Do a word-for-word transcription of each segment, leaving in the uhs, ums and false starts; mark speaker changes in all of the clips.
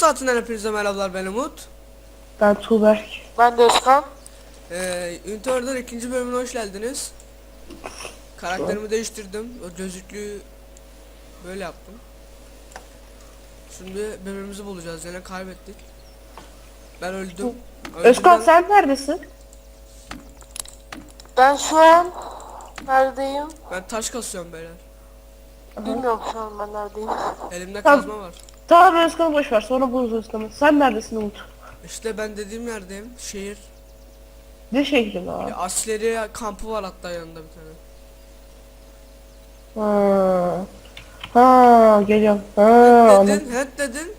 Speaker 1: saatinden hepinize merhabalar, ben Umut.
Speaker 2: Ben Tuğberk.
Speaker 3: Ben de Özkan.
Speaker 1: Ee, Ünitör'den ikinci bölümüne hoş geldiniz. Karakterimi değiştirdim. O gözlüklüğü böyle yaptım. Şimdi birbirimizi bulacağız. Yine kaybettik. Ben öldüm.
Speaker 2: Özkan
Speaker 1: Öldüm
Speaker 2: sen neredesin?
Speaker 3: Ben şu an neredeyim?
Speaker 1: ben, ben taş kasıyorum beyler.
Speaker 3: Bilmiyorum şu an ben neredeyim.
Speaker 1: Elimde
Speaker 2: Tamam.
Speaker 1: kazma var.
Speaker 2: Tamam Özkan'ı boş ver, sonra buluruz Özkan'ı. Sen neredesin Umut?
Speaker 1: İşte ben dediğim yerdeyim. Şehir.
Speaker 2: Ne şehri lan?
Speaker 1: Ya, askeri kampı var hatta yanında bir tane.
Speaker 2: Ha. Ha geliyorum. Ha, anladım.
Speaker 1: Dedin, het dedin.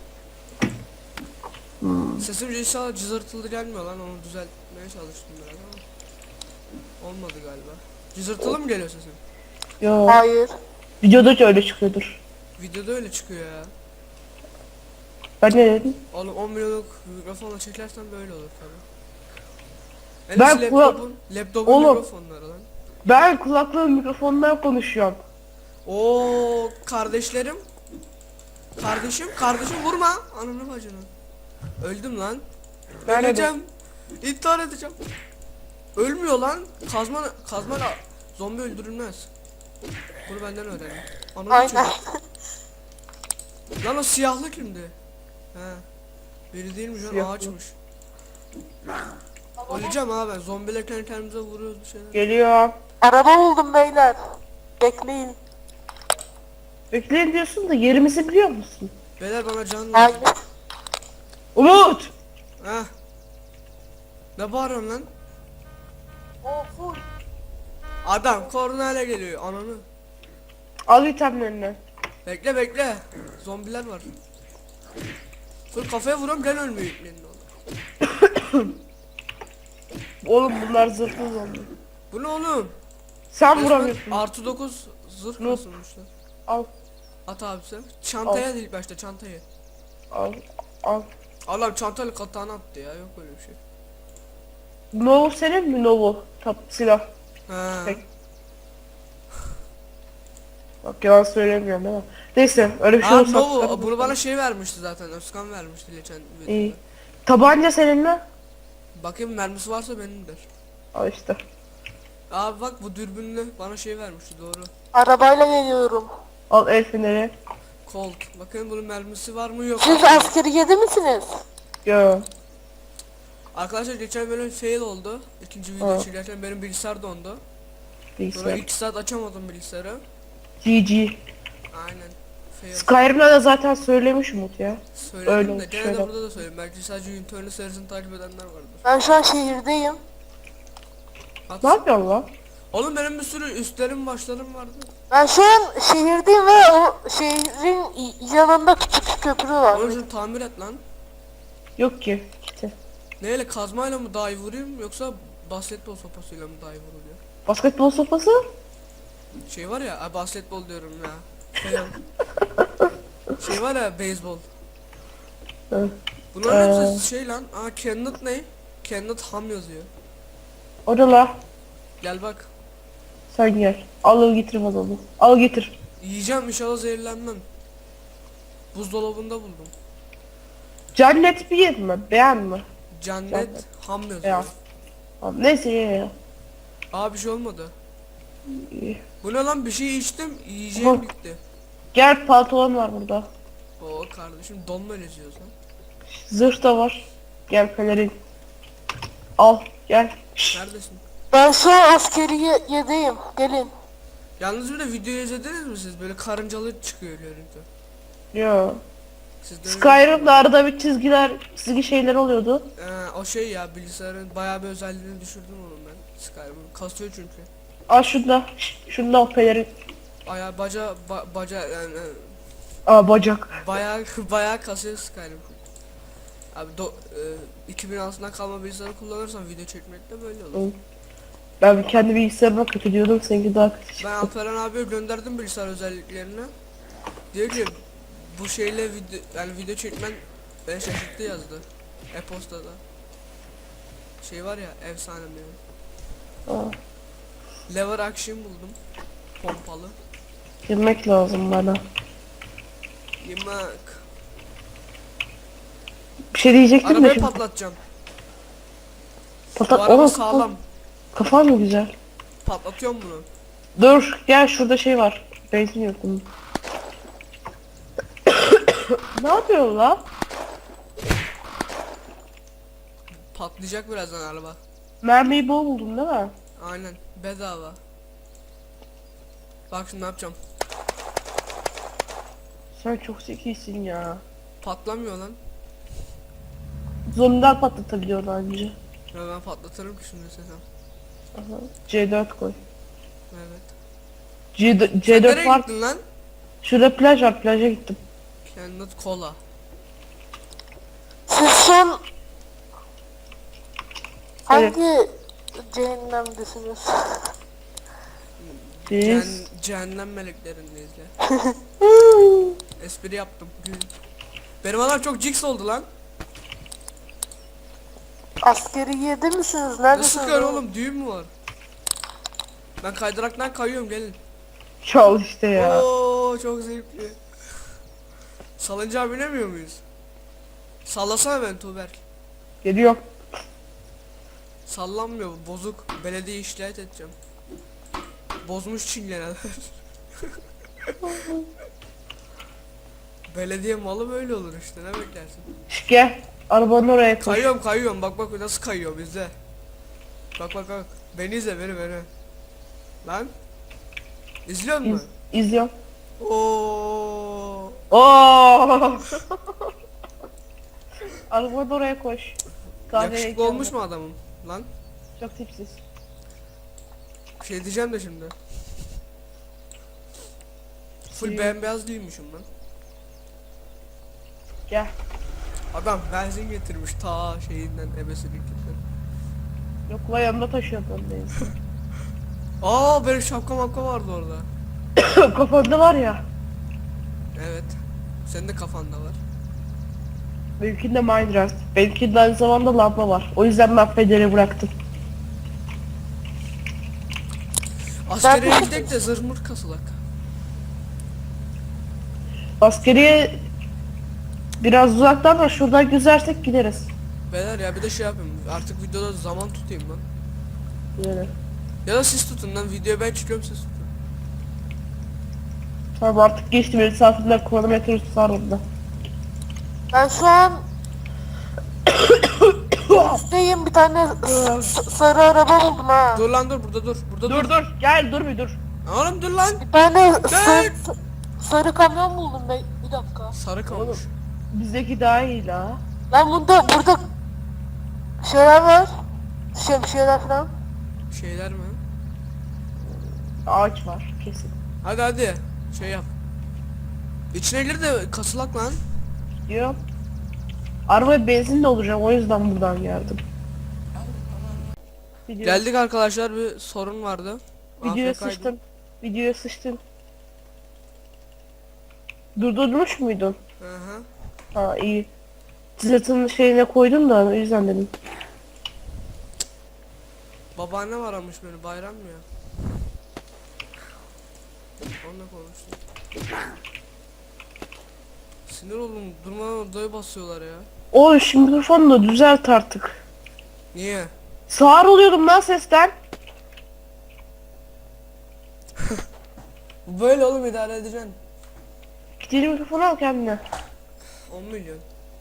Speaker 1: Hmm. Sesim inşallah cızırtılı gelmiyor lan, onu düzeltmeye çalıştım biraz ama olmadı galiba. Cızırtılı mı geliyor sesim?
Speaker 2: Yo.
Speaker 3: Hayır.
Speaker 2: Videoda da öyle çıkıyordur.
Speaker 1: Videoda öyle çıkıyor ya.
Speaker 2: Ben ne dedim?
Speaker 1: Oğlum on milyonluk mikrofonla çekersen böyle olur tabi.
Speaker 2: Ben
Speaker 1: Ben
Speaker 2: kula-
Speaker 1: laptopun, laptopun
Speaker 2: Oğlum.
Speaker 1: mikrofonları lan.
Speaker 2: Ben kulaklığın mikrofonundan konuşuyorum.
Speaker 1: Oo kardeşlerim. Kardeşim, kardeşim vurma. Ananı bacını. Öldüm lan.
Speaker 2: Nerede?
Speaker 1: Öleceğim. İntihar edeceğim. Ölmüyor lan. Kazma, kazma da zombi öldürülmez. Bunu benden öğren. Ananı
Speaker 3: Aynen.
Speaker 1: çocuk. Lan o siyahlı kimdi? He. Biri değilmiş lan,
Speaker 2: Siyahlı.
Speaker 1: ağaçmış. Öleceğim abi, ben zombiler kendi kendimize vuruyoruz bir şeyler.
Speaker 2: Geliyorum.
Speaker 3: Araba buldum beyler. Bekleyin.
Speaker 2: Bekleyin diyorsun da yerimizi biliyor musun?
Speaker 1: Beyler bana can lazım.
Speaker 3: Hayır.
Speaker 2: Umut!
Speaker 1: Heh. Ne bağırıyorsun lan?
Speaker 3: O full.
Speaker 1: Adam kornayla geliyor ananı.
Speaker 2: Al itemlerini.
Speaker 1: Bekle bekle. Zombiler var. Full kafaya vuruyorum, gel ölmüyor iplerin oğlum.
Speaker 2: Oğlum bunlar zırhlı zombi.
Speaker 1: Bu ne oğlum?
Speaker 2: Sen
Speaker 1: Resmen
Speaker 2: vuramıyorsun.
Speaker 1: artı dokuz zırh
Speaker 2: Noob.
Speaker 1: basılmışlar.
Speaker 2: Al.
Speaker 1: At abi sen. Çantaya değil başta, çantayı.
Speaker 2: Al. Al.
Speaker 1: Allah'ım çantayla katağını attı ya, yok öyle bir şey.
Speaker 2: Novo senin mi Novo? Tap silah.
Speaker 1: Ha.
Speaker 2: Tek. Bak yalan söylemiyorum değil mi? Neyse öyle bir şey
Speaker 1: Aa
Speaker 2: olsa.
Speaker 1: Novo, bunu bana şey vermişti zaten, Özkan vermişti geçen videoda.
Speaker 2: İyi. Tabanca senin mi?
Speaker 1: Bakayım mermisi varsa benimdir.
Speaker 2: Al işte.
Speaker 1: Abi bak, bu dürbünlü bana şey vermişti, doğru.
Speaker 3: Arabayla geliyorum.
Speaker 2: Al el feneri.
Speaker 1: Colt. Bakın bunun mermisi var mı yok.
Speaker 3: Siz askeriyede misiniz?
Speaker 2: Yo.
Speaker 1: Arkadaşlar geçen bölüm fail oldu. İkinci video
Speaker 2: Aa.
Speaker 1: çekerken benim bilgisayar dondu. Sonra
Speaker 2: Bilgisayar.
Speaker 1: iki saat açamadım bilgisayarı.
Speaker 2: G G.
Speaker 1: Aynen. Fail.
Speaker 2: Skyrim'de de zaten söylemiş Umut ya.
Speaker 1: Söyledim
Speaker 2: öyle
Speaker 1: de
Speaker 2: olmuş,
Speaker 1: gene
Speaker 2: şöyle.
Speaker 1: de burada da söyleyeyim. Belki sadece Unicorn'u serisini takip edenler vardır.
Speaker 3: Ben şu an şehirdeyim.
Speaker 1: At.
Speaker 2: Ne yapıyorsun lan?
Speaker 1: Oğlum benim bir sürü üstlerim başlarım vardı.
Speaker 3: Ben şu an şehirdeyim ve o şehrin y- yanında küçük bir köprü var.
Speaker 1: Oğlum şunu tamir et lan.
Speaker 2: Yok ki. İşte.
Speaker 1: Neyle, kazmayla mı daha iyi vurayım yoksa basketbol sopasıyla mı daha iyi vuruluyor?
Speaker 2: Basketbol sopası?
Speaker 1: Şey var ya, ay basketbol diyorum ya. Fail. Şey var ya, beyzbol.
Speaker 2: Evet.
Speaker 1: Bunların
Speaker 2: Ee.
Speaker 1: hepsi şey lan. Aa Kenneth ne? Kenneth Ham yazıyor.
Speaker 2: O da la.
Speaker 1: Gel bak.
Speaker 2: Sen gel. Al getir bana onu. Al getir.
Speaker 1: Yiyeceğim inşallah, zehirlenmem. Buzdolabında buldum.
Speaker 2: Cennet bir yer mi? Beğen mi?
Speaker 1: Cennet
Speaker 2: Cennet.
Speaker 1: Ham yazıyor.
Speaker 2: Ya. Tamam, neyse ye ya.
Speaker 1: Aa bir şey olmadı.
Speaker 2: İyi.
Speaker 1: Bu ne lan, bir şey içtim, yiyeceğim
Speaker 2: Aha.
Speaker 1: bitti.
Speaker 2: Gel pantolon var burada.
Speaker 1: Oo kardeşim, donma geziyoruz lan.
Speaker 2: Zırh da var. Gel pelerin. Al gel. Şşş.
Speaker 1: Neredesin?
Speaker 3: Ben şu an askeriyedeyim. Gelin.
Speaker 1: Yalnız bir de videoyu izlediniz mi siz? Böyle karıncalı çıkıyor görüntü.
Speaker 2: Yo.
Speaker 1: Siz de öyle-
Speaker 2: Skyrim'de arada bir çizgiler, çizgi şeyler oluyordu.
Speaker 1: Ee, o şey ya, bilgisayarın bayağı bir özelliğini düşürdüm onun ben. Skyrim'in kasıyor çünkü.
Speaker 2: Al şunda. Şşş, şunda al pelerin.
Speaker 1: Aya baca ba, baca yani e,
Speaker 2: Aa bacak.
Speaker 1: bayağı bayağı kasıyor Skyrim. Abi do, e, iki bin altından kalma bilgisayarı kullanırsan video çekmekte böyle olur.
Speaker 2: Hı. Ben kendi bilgisayarıma kötü diyordum, seninki daha kötü
Speaker 1: Ben
Speaker 2: çıktı.
Speaker 1: Alperen abiye gönderdim bilgisayar özelliklerini. Diyor ki bu şeyle video, yani video çekmen beni şaşırttı yazdı. E-postada. Şey var ya, efsane benim.
Speaker 2: Aa,
Speaker 1: Lever action buldum. Pompalı.
Speaker 2: girmek lazım bana.
Speaker 1: Yemek.
Speaker 2: Bir şey diyecektim de
Speaker 1: Arabayı
Speaker 2: şimdi.
Speaker 1: patlatacağım. Bu
Speaker 2: Patlat.
Speaker 1: araba
Speaker 2: Oğlum
Speaker 1: sağlam.
Speaker 2: kafan mı güzel?
Speaker 1: Patlatıyorum bunu.
Speaker 2: Dur gel şurada şey var. Benzin yok bunun. Ne yapıyorsun la?
Speaker 1: Patlayacak birazdan araba.
Speaker 2: Mermiyi bol buldun değil mi?
Speaker 1: Aynen. Bedava. Bak şimdi ne yapacağım.
Speaker 2: Sen çok zekisin ya.
Speaker 1: Patlamıyor lan.
Speaker 2: Zombiler patlatabiliyor bence.
Speaker 1: Ya ben patlatırım ki şimdi sesem.
Speaker 2: Aha. C dört koy.
Speaker 1: Evet.
Speaker 2: C,
Speaker 1: Sen
Speaker 2: C dört
Speaker 1: nereye
Speaker 2: var.
Speaker 1: gittin lan?
Speaker 2: Şurada plaj var, plaja gittim.
Speaker 1: Kendine kola.
Speaker 3: Siz son
Speaker 2: Evet.
Speaker 3: hangi cehennemdesiniz?
Speaker 2: Biz
Speaker 1: Cehen- cehennem meleklerindeyiz ya. Espri yaptım. Gül. Benim adam çok jigs oldu lan.
Speaker 3: Askeri yedi misiniz?
Speaker 1: Ne
Speaker 3: Neredesiniz?
Speaker 1: sıkıyor
Speaker 3: oğlum?
Speaker 1: oğlum, düğün mü var? Ben kaydıraktan kayıyorum, gelin.
Speaker 2: çal işte ya.
Speaker 1: Oo çok zevkli. Salıncağa binemiyor muyuz? Sallasana ben Tuğberk.
Speaker 2: Geliyor.
Speaker 1: Sallanmıyor, bu bozuk. Belediye şikayet edeceğim. Bozmuş çingeneler. Belediye malı böyle olur işte, ne beklersin?
Speaker 2: Şş, gel. Arabanın oraya koy.
Speaker 1: Kayıyorum kayıyorum, bak bak nasıl kayıyor bizde. Bak bak bak. Beni izle, beni beni. Lan. İzliyor
Speaker 2: İz,
Speaker 1: musun?
Speaker 2: izliyorum.
Speaker 1: Oo.
Speaker 2: Oo. Arabanın oraya koş. Kahveye
Speaker 1: Yakışıklı olmuş mu adamım? Lan.
Speaker 2: Çok tipsiz.
Speaker 1: Bir şey diyeceğim de şimdi. Full
Speaker 2: Şey-
Speaker 1: bembeyaz değilmişim lan.
Speaker 2: Gel.
Speaker 1: Adam benzin getirmiş ta şeyinden, ebesininkinden.
Speaker 2: Yok la yanımda taşıyorum ben benzin.
Speaker 1: Aa benim şapka mapka vardı orada.
Speaker 2: Kafanda var ya.
Speaker 1: Evet. Senin de kafanda var.
Speaker 2: Benimkinde Minecraft. Benimkinde aynı zamanda lamba var. O yüzden ben federi bıraktım.
Speaker 1: Askeriye gidek de zırh mırt kasılak.
Speaker 2: Askeriye biraz uzaktan da şuradan güzersek gideriz.
Speaker 1: Beyler ya bir de şey yapayım. Artık videoda zaman tutayım lan.
Speaker 2: Yani.
Speaker 1: Ya da siz tutun lan, videoya ben çıkıyorum, siz tutun.
Speaker 2: Tamam artık geçti benim saatimden kronometre tutar onda.
Speaker 3: Ben şu an üstteyim, bir tane s- s- sarı araba buldum ha.
Speaker 1: Dur lan dur, burada dur. Burada dur.
Speaker 2: Dur dur gel dur bir dur.
Speaker 1: Oğlum dur lan.
Speaker 3: Bir tane
Speaker 1: Dur.
Speaker 3: sarı, sarı kamyon buldum ben. Bir dakika.
Speaker 1: Sarı kalmış.
Speaker 2: Bizdeki daha iyi la.
Speaker 3: Lan bunda burada şeyler var. Şemsiyeler falan.
Speaker 1: Şeyler mi?
Speaker 2: Ağaç var kesin.
Speaker 1: Hadi hadi. Şey yap. İçine gir de kasılak lan.
Speaker 2: Diyor. Arabaya benzin de olacak o yüzden buradan geldim. Video,
Speaker 1: Geldik arkadaşlar, bir sorun vardı.
Speaker 2: videoya
Speaker 1: A F K'ydım.
Speaker 2: sıçtın. Videoya sıçtın. Durdurmuş muydun?
Speaker 1: Hı hı.
Speaker 2: Ha iyi. Zılatın şeyine koydum da o yüzden dedim.
Speaker 1: Babaannem aramış beni, bayram mı ya? Onunla konuştum. Sinir oldum, durmadan odaya basıyorlar ya.
Speaker 2: O şimdi mikrofonu da düzelt artık.
Speaker 1: Niye?
Speaker 2: Sağır oluyordum lan sesten.
Speaker 1: Böyle oğlum, idare edeceksin.
Speaker 2: Gideli mikrofonu al kendine.
Speaker 1: on milyon.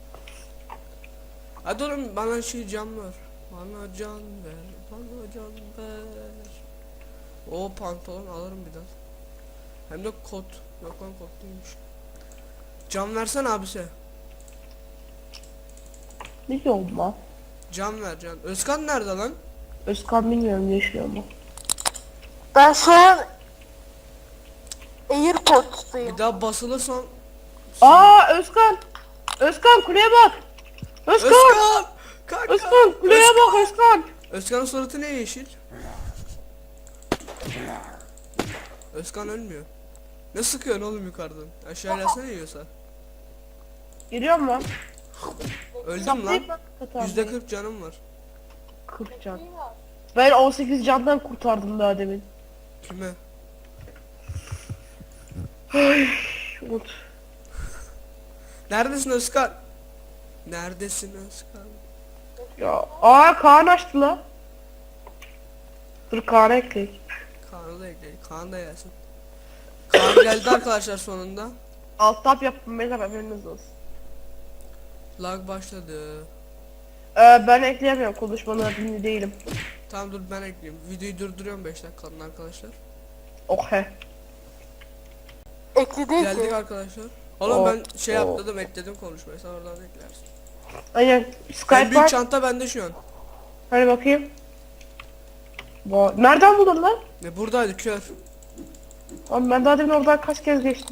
Speaker 1: Hadi oğlum bana şey can ver. Bana can ver. Bana can ver. O pantolon alırım bir daha. Hem de kot. Yok lan, kot değilmiş. Can versen abisi.
Speaker 2: Ne diyorum lan?
Speaker 1: Can ver can. Özkan nerede lan?
Speaker 2: Özkan bilmiyorum yaşıyor mu?
Speaker 3: Ben şu an Airport'tayım.
Speaker 1: Bir daha basılırsan.
Speaker 2: Aa Özkan! Özkan kuleye bak! Özkan!
Speaker 1: Özkan! Kanka!
Speaker 2: Özkan kuleye bak Özkan!
Speaker 1: Özkan'ın suratı ne yeşil? Özkan ölmüyor. Ne sıkıyorsun oğlum yukarıdan? Aşağı gelsene yiyorsa.
Speaker 2: Geliyorum lan.
Speaker 1: Öldüm lan.
Speaker 2: Saplayıp bak, katar.
Speaker 1: Yüzde kırk canım var.
Speaker 2: kırk can. Ben on sekiz candan kurtardım daha demin.
Speaker 1: Kime?
Speaker 2: Umut.
Speaker 1: Neredesin Özkan? Neredesin Özkan?
Speaker 2: Ya aa Kaan açtı la. Dur Kaan'ı ekleyek.
Speaker 1: Kaan'ı da ekledik. Kaan da gelsin. Kaan geldi arkadaşlar sonunda.
Speaker 2: Alt tab yaptım beyler haberiniz olsun.
Speaker 1: Lag başladı.
Speaker 2: Ee, ben ekleyemiyorum konuşmaları dinli değilim.
Speaker 1: Tamam dur ben ekleyeyim. Videoyu durduruyorum beş dakikalığına arkadaşlar.
Speaker 2: Oh he.
Speaker 3: Ekli değil
Speaker 1: Geldik
Speaker 3: ki.
Speaker 1: arkadaşlar. Oğlum
Speaker 2: Oh,
Speaker 1: ben şey
Speaker 2: oh.
Speaker 1: yaptım ekledim konuşmayı sen oradan eklersin.
Speaker 2: Aynen.
Speaker 1: En
Speaker 2: Skype
Speaker 1: büyük
Speaker 2: var.
Speaker 1: çanta bende şu an.
Speaker 2: Hadi bakayım. Bu nereden buldun lan?
Speaker 1: Ne buradaydı kör.
Speaker 2: Abi ben daha demin oradan kaç kez geçtim.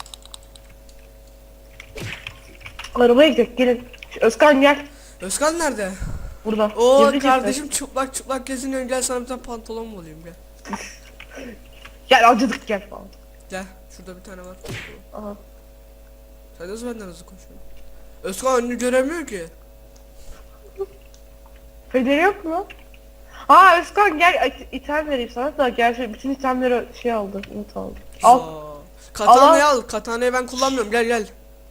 Speaker 2: Arabaya gidelim gelin. Şu Özkan gel.
Speaker 1: Özkan nerede?
Speaker 2: Burada.
Speaker 1: Oo
Speaker 2: Gizli
Speaker 1: kardeşim çıplak çıplak geziniyorsun gel sana bir tane pantolon mu bulayım gel.
Speaker 2: gizli. Gel acıdık gel falan.
Speaker 1: Gel şurada bir tane var.
Speaker 2: Aha.
Speaker 1: Sen nasıl benden hızlı koşuyorsun? Özkan önünü göremiyor ki.
Speaker 2: Federi yok mu? Aa Özkan gel it- item vereyim sana da gerçi bütün itemleri şey aldı. Umut aldı. Al.
Speaker 1: Aa, Katanayı al. Katanayı ben kullanmıyorum. Gel gel.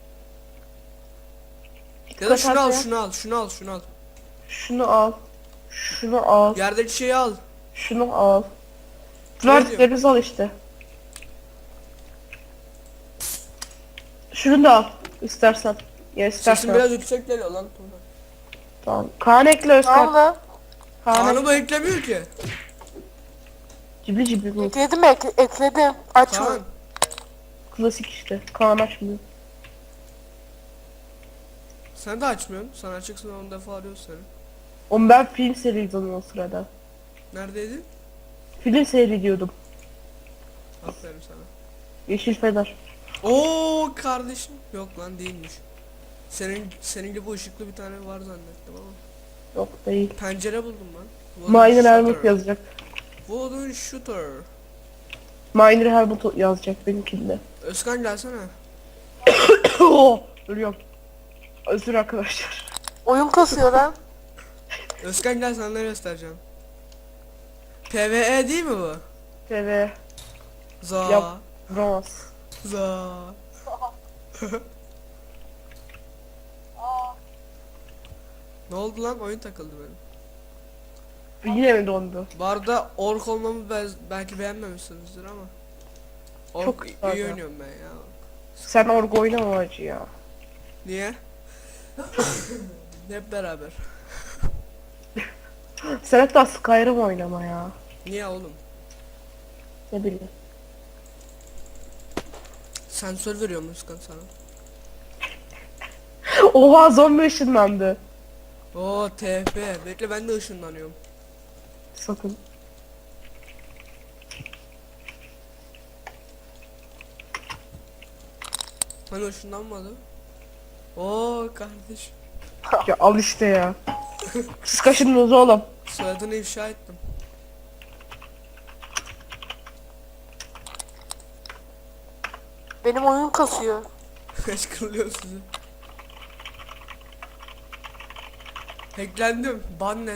Speaker 1: Ya da şunu al,
Speaker 2: Katana.
Speaker 1: şunu al, şunu al, şunu al.
Speaker 2: Şunu al. Şunu al.
Speaker 1: Yerdeki şeyi al.
Speaker 2: Şunu al.
Speaker 1: Ne diyor?
Speaker 2: Verdiklerinizi al işte. Şunu da al istersen. Ya
Speaker 1: Sesin
Speaker 2: istersen.
Speaker 1: biraz yüksek geliyor lan.
Speaker 2: Tamam. Kaan ekle Özkan.
Speaker 3: Tamam da.
Speaker 2: Kaan
Speaker 1: Kaan'ı bu eklemiyor ki.
Speaker 2: cibli cibli bu.
Speaker 3: Ekledim ekle, ekledim. Açma.
Speaker 1: Kaan.
Speaker 2: Klasik işte. Kaan açmıyor.
Speaker 1: Sen de açmıyorsun. Sen açıksın on defa arıyoruz seni.
Speaker 2: Oğlum ben film seyrediyordum o sırada.
Speaker 1: Neredeydin?
Speaker 2: Film seyrediyordum.
Speaker 1: Aferin sana.
Speaker 2: Yeşil Fener.
Speaker 1: Oo kardeşim. Yok lan değilmiş. Senin senin gibi ışıklı bir tane var zannettim ama.
Speaker 2: Yok değil.
Speaker 1: Pencere buldum lan. Wooden
Speaker 2: Miner Helmut
Speaker 1: shooter.
Speaker 2: yazacak.
Speaker 1: Wooden shooter.
Speaker 2: Miner Helmut yazacak benimkinde.
Speaker 1: Özkan gelsene.
Speaker 2: Oh, ölüyorum. Özür arkadaşlar.
Speaker 3: Oyun kasıyor lan.
Speaker 1: Özkan gel sana ne göstereceğim. PvE değil mi bu?
Speaker 2: T V.
Speaker 1: Za.
Speaker 2: Yap. Bronz.
Speaker 1: Za. Ne oldu lan? Oyun takıldı benim.
Speaker 2: Yine mi dondu?
Speaker 1: Bu arada ork olmamı be- belki beğenmemişsinizdir ama. Ork
Speaker 2: Çok
Speaker 1: iyi
Speaker 2: güzel ya.
Speaker 1: oynuyorum ben ya.
Speaker 2: Sen orgu oynama acı ya.
Speaker 1: Niye? Hep beraber.
Speaker 2: Sen hatta Skyrim oynama ya.
Speaker 1: Niye oğlum?
Speaker 2: Ne bileyim.
Speaker 1: Sensör veriyorum Özkan sana.
Speaker 2: Oha zombi ışınlandı.
Speaker 1: Oo T F. Bekle ben de ışınlanıyorum.
Speaker 2: Sakın.
Speaker 1: Hani ışınlanmadı. Oo kardeş.
Speaker 2: Ya al işte ya. Siz kaşındınız oğlum.
Speaker 1: Soyadını ifşa ettim.
Speaker 3: Benim oyun kasıyor.
Speaker 1: Kışkırılıyor sizi. Hacklendim. Bannet.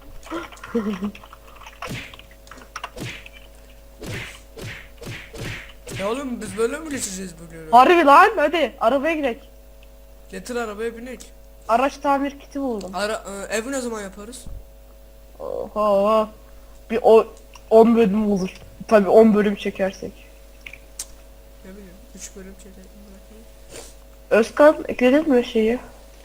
Speaker 1: Ya oğlum biz böyle mi geçeceğiz bugün?
Speaker 2: Harbi lan hadi arabaya gidelim.
Speaker 1: Getir arabaya binek.
Speaker 2: Araç tamir kiti buldum.
Speaker 1: Ara e, evi ne zaman yaparız?
Speaker 2: Oha. Bir o on bölüm olur. Tabii on bölüm çekersek.
Speaker 1: Ne bileyim. üç bölüm çekelim bırakayım.
Speaker 2: Özkan ekledin mi şeyi?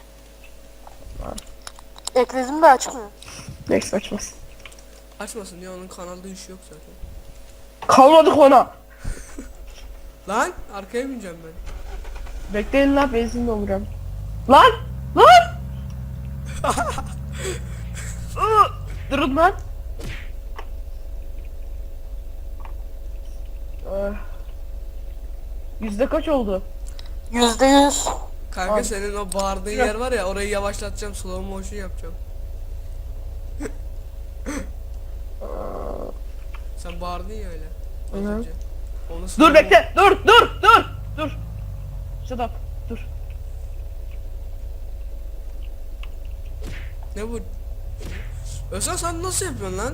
Speaker 3: Ekledim de açmıyor.
Speaker 2: Neyse açmaz.
Speaker 1: Açmasın ya onun kanalda işi yok zaten.
Speaker 2: Kalmadık ona.
Speaker 1: Lan arkaya bineceğim ben.
Speaker 2: Bekleyin lan benzin dolduruyorum. Lan! Lan! Iı, Durun lan. Ah. Yüzde kaç oldu?
Speaker 3: Yüzde yüz.
Speaker 1: Kanka
Speaker 2: Abi.
Speaker 1: senin o bağırdığın
Speaker 2: Ya.
Speaker 1: yer var ya orayı yavaşlatacağım slow motion yapacağım. Sen bağırdın ya öyle. Az
Speaker 2: Hı hı.
Speaker 1: önce. Onu
Speaker 2: Dur
Speaker 1: slow
Speaker 2: bekle. Dur dur dur. Dur. Shut up. Dur.
Speaker 1: Ne bu? Özkan sen nasıl yapıyorsun lan?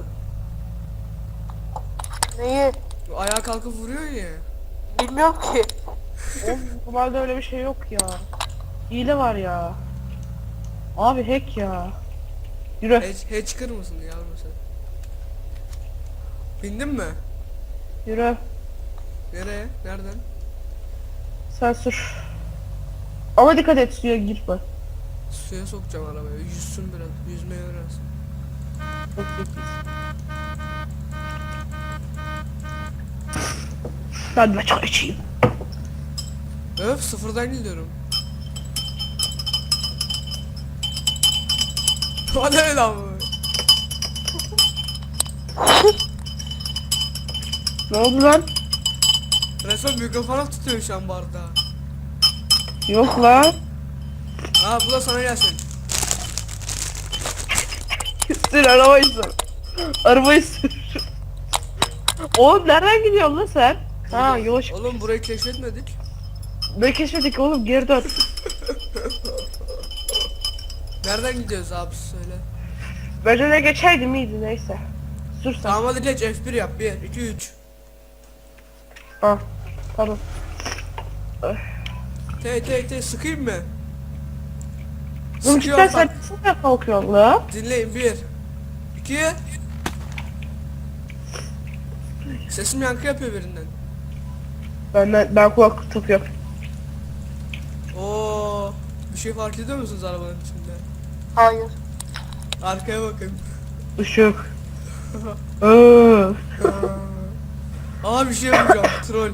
Speaker 3: Neyi?
Speaker 1: Ayağa kalkıp vuruyorsun ya.
Speaker 3: Bilmiyorum ki.
Speaker 2: Oğlum normalde öyle bir şey yok ya. Hile var ya. Abi hack ya. Yürü.
Speaker 1: Hiç, hiç çıkır mısın yavrum sen? Bindin mi?
Speaker 2: Yürü.
Speaker 1: Nereye? Nereden?
Speaker 2: Sen sür. Ama dikkat et suya girme.
Speaker 1: Suya sokacağım arabayı. Yüzsün biraz. Yüzmeyi öğrensin.
Speaker 2: Çok zekisin. Ben de çay içeyim.
Speaker 1: Öf sıfırdan gidiyorum. O ne lan bu?
Speaker 2: Ne oldu lan?
Speaker 1: Resmen mikrofona tutuyor şu an bardağı.
Speaker 2: Yok lan.
Speaker 1: Ha bu da sana gelsin.
Speaker 2: Sür arabayı sür. Arabayı sür. Oğlum nereden gidiyorsun lan sen? Ha yola çık.
Speaker 1: Oğlum burayı keşfetmedik.
Speaker 2: Ne keşfettik oğlum, geri dön.
Speaker 1: Nereden gidiyoruz abi söyle.
Speaker 2: Ben öne geçeydim iyiydi, neyse. Sür sen.
Speaker 1: Tamam hadi geç F bir yap. bir, iki, üç.
Speaker 2: Ha, tamam.
Speaker 1: Te te te sıkayım mı?
Speaker 2: Oğlum cidden
Speaker 1: Sıkıyorum
Speaker 2: sen
Speaker 1: bak.
Speaker 2: nasıl kalkıyorsun la?
Speaker 1: Dinleyin bir. iki. Sesim yankı yapıyor birinden.
Speaker 2: Ben, ben kulaklık takıyorum.
Speaker 1: Oo, bir şey fark ediyor musunuz arabanın içinde?
Speaker 3: Hayır.
Speaker 1: Arkaya bakın.
Speaker 2: Işık. Öf.
Speaker 1: Aa bir şey yapacağım. Troll.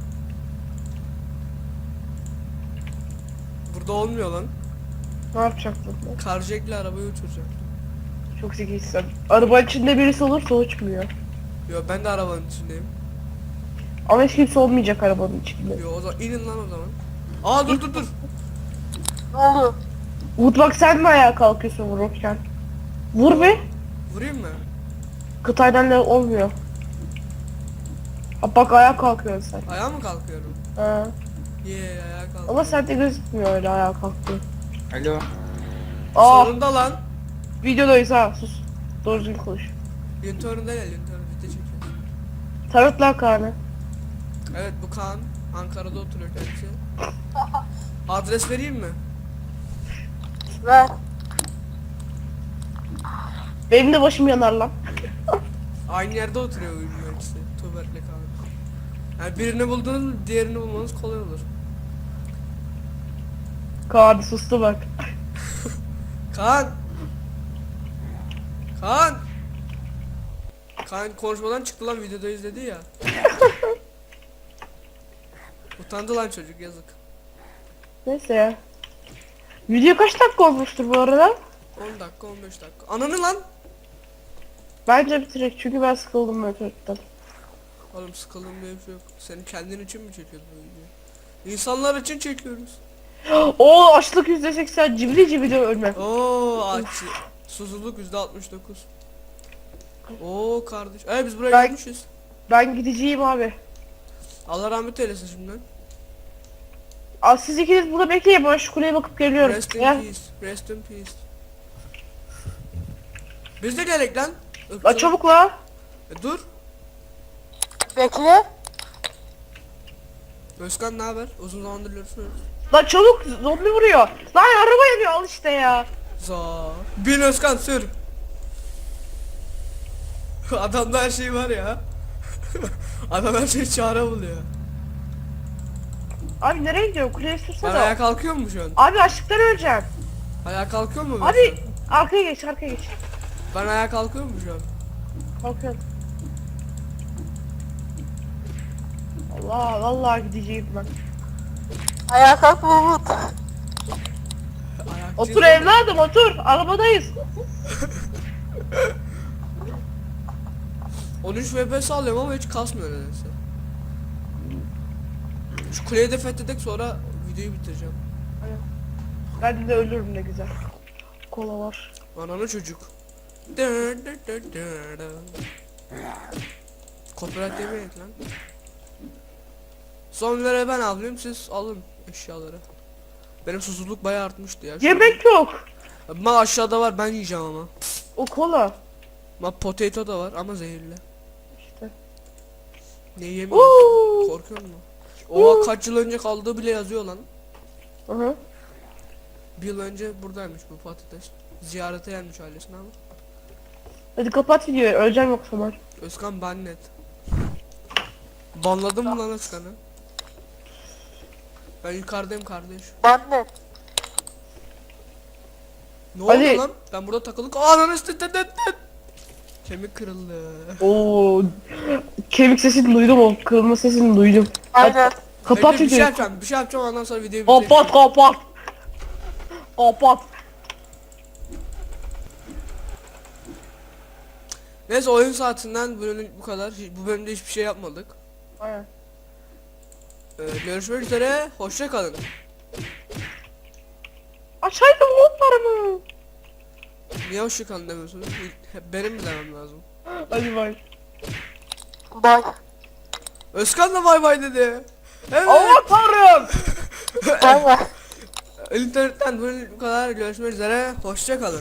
Speaker 1: Burada olmuyor lan.
Speaker 2: Ne yapacaktın lan?
Speaker 1: Karjekle arabayı uçuracak.
Speaker 2: Çok zekisin. Araba içinde birisi olursa uçmuyor.
Speaker 1: Yo ben de arabanın içindeyim.
Speaker 2: Ama hiç kimse olmayacak arabanın içinde.
Speaker 1: Yo o zaman inin lan o zaman. Aa dur dur dur.
Speaker 3: Ne oldu?
Speaker 2: Umut bak, sen mi ayağa kalkıyorsun vururken? Vur be.
Speaker 1: Vurayım mı?
Speaker 2: Kıtaydan da olmuyor. Ha, bak ayağa kalkıyorsun sen.
Speaker 1: Ayağa mı kalkıyorum?
Speaker 2: Ha.
Speaker 1: Ye ayağa kalkıyorum.
Speaker 2: Ama sende gözükmüyor öyle ayağa kalktığın.
Speaker 4: Alo.
Speaker 2: Aa,
Speaker 1: Sonunda lan.
Speaker 2: videodayız ha, sus. Doğru düzgün konuş.
Speaker 1: Yöntöründe gel yöntörün video çekiyor.
Speaker 2: Tanıt lan Kaan'ı.
Speaker 1: Evet bu Kaan. Ankara'da oturuyor kendisi. Adres vereyim mi?
Speaker 3: Ver.
Speaker 2: Benim de başım yanar lan.
Speaker 1: Aynı yerde oturuyor uyumlar ikisi. Tuğberk'le Kaan. Yani birini buldunuz mu diğerini bulmanız kolay olur.
Speaker 2: Kaan sustu bak.
Speaker 1: Kaan! Kaan! Kaan konuşmadan çıktı lan videoda izledi ya. Utandı lan çocuk yazık.
Speaker 2: Neyse ya. Video kaç dakika olmuştur bu arada?
Speaker 1: on dakika on beş dakika. Ananı lan!
Speaker 2: Bence bitirek çünkü ben sıkıldım motordan.
Speaker 1: Oğlum sıkıldım diye bir şey yok. Senin kendin için mi çekiyorsun bu videoyu? İnsanlar için çekiyoruz.
Speaker 2: Oo, açlık yüzde seksen, cibili cibili ölme.
Speaker 1: Oo aç. Susuzluk yüzde altmış dokuz. Oo kardeş. Ee biz buraya
Speaker 2: Ben-
Speaker 1: gelmişiz.
Speaker 2: Ben gideceğim abi.
Speaker 1: Allah rahmet eylesin şimdiden.
Speaker 2: Aa, siz ikiniz burada bekleyin, ben şu kuleye bakıp geliyorum.
Speaker 1: Rest in
Speaker 2: Ya.
Speaker 1: peace. Rest in peace. Biz de gerek lan.
Speaker 2: La
Speaker 1: Irkçılık.
Speaker 2: çabuk la.
Speaker 1: E, dur.
Speaker 3: Bekle.
Speaker 1: Özkan ne haber? Uzun zamandır görüşmüyoruz.
Speaker 2: La çabuk, zombi vuruyor. Lan araba yanıyor, al işte ya.
Speaker 1: Za. Bin Özkan sür. Adamda her şey var ya. Adam her şeyi çare buluyor.
Speaker 2: Abi nereye gidiyor? Kuleye
Speaker 1: Ben
Speaker 2: sürsene.
Speaker 1: ayağa kalkıyor mu şu an?
Speaker 2: Abi açlıktan öleceğim.
Speaker 1: Ayağa kalkıyor mu? ben
Speaker 2: Abi
Speaker 1: şu an?
Speaker 2: arkaya geç, arkaya geç.
Speaker 1: Ben ayağa kalkıyor mu şu an?
Speaker 2: Kalkıyorum. Allah vallahi gideceğim ben.
Speaker 3: Ayağa kalk Umut.
Speaker 1: Ayakçıyız
Speaker 2: Otur
Speaker 1: ama-
Speaker 2: evladım, otur. Arabadayız.
Speaker 1: on üç F P S alıyorum ama hiç kasmıyor nedense. Şu kuleyi de fethedek sonra videoyu bitireceğim.
Speaker 2: Ben de ölürüm ne güzel. Kola var.
Speaker 1: Ananı çocuk. Copyright yemeyin lan. Zombilere ben alayım, siz alın eşyaları. Benim susuzluk bayağı artmıştı ya. şu
Speaker 2: Yemek yok.
Speaker 1: an. Ma aşağıda var, ben yiyeceğim ama.
Speaker 2: O kola.
Speaker 1: Ma potato da var ama zehirli.
Speaker 2: İşte.
Speaker 1: Ne yemiyorum?
Speaker 2: Uuu.
Speaker 1: Korkuyor musun? Oha kaç yıl önce kaldığı bile yazıyor lan.
Speaker 2: Hı hı.
Speaker 1: Bir yıl önce buradaymış bu patates. Ziyarete gelmiş ailesine ama.
Speaker 2: Hadi kapat videoyu. Öleceğim yoksa ben.
Speaker 1: Özkan bannet. Banladın mı lan Özkan'ı? Ben yukarıdayım kardeş.
Speaker 3: Ben de.
Speaker 1: Ne oldu
Speaker 2: Ali.
Speaker 1: lan? Ben burada takılık. Aa ananı tıt tıt tıt tıt. Kemik kırıldı.
Speaker 2: Oo. Kemik sesini duydum o. Kırılma sesini duydum.
Speaker 3: Aynen.
Speaker 2: Kapat
Speaker 1: Bekle, bir şey
Speaker 2: videoyu.
Speaker 1: yapacağım. Bir şey yapacağım ondan sonra videoyu bitireyim.
Speaker 2: Kapat kapat. Kapat.
Speaker 1: Neyse oyun saatinden bu bölümlük bu kadar. Bu bölümde hiçbir şey yapmadık.
Speaker 2: Aynen.
Speaker 1: Ee, görüşmek üzere. Hoşça kalın.
Speaker 2: Açaydım modlarımı.
Speaker 1: Niye hoşça kalın demiyorsunuz? Hep benim mi demem lazım?
Speaker 2: Hadi bay.
Speaker 3: Bay.
Speaker 1: Özkan da bay bay dedi. Evet.
Speaker 2: Allah tanrım.
Speaker 3: Bay bay.
Speaker 1: İnternetten bu bölümlük bu kadar. Görüşmek üzere. Hoşça kalın.